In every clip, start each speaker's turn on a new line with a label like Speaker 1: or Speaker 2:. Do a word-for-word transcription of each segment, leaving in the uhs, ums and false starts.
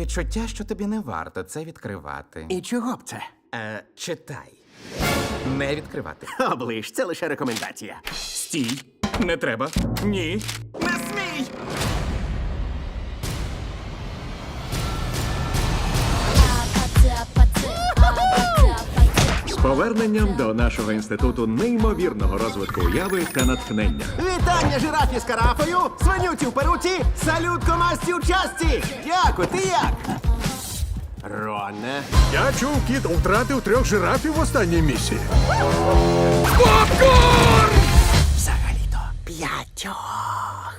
Speaker 1: відчуття, що тобі не варто це відкривати.
Speaker 2: І чого б це?
Speaker 1: Е, читай. Не відкривати.
Speaker 2: Оближ, це лише рекомендація.
Speaker 1: Стій. Не треба. Ні. Не смій!
Speaker 3: З поверненням до нашого інституту неймовірного розвитку уяви та натхнення.
Speaker 2: Вітання жирафі з карафою, свинюці в перуці, салют комасті у часті! Дяку, ти як? Роне.
Speaker 4: Я чув, кіт втратив трьох жирафів в останній місії.
Speaker 2: Взагалі-то п'ятьох.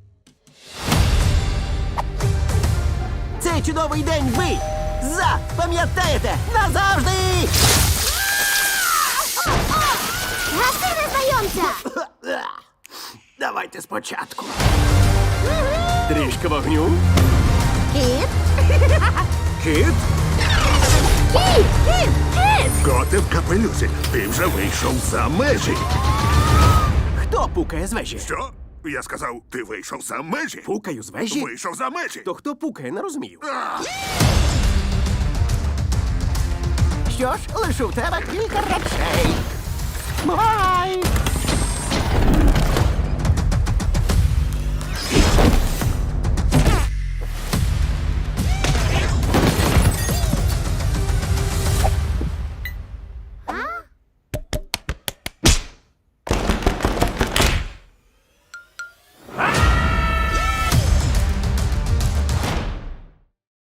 Speaker 2: Цей чудовий день ви запам'ятаєте назавжди!
Speaker 5: Гаси незнайомця!
Speaker 2: Давайте спочатку. Трішки вогню.
Speaker 5: Кіт!
Speaker 4: Кіт?
Speaker 5: Кіт! Кіт! Кіт!
Speaker 4: Коти в капелюсі. Ти вже вийшов за межі.
Speaker 2: Хто пукає з вежі?
Speaker 4: Що? Я сказав, ти вийшов за межі?
Speaker 2: Пукаю з вежі?
Speaker 4: Вийшов за межі.
Speaker 2: То хто пукає, не розумію.
Speaker 4: А!
Speaker 2: Що ж, лишу в тебе кілька речей. Бувай!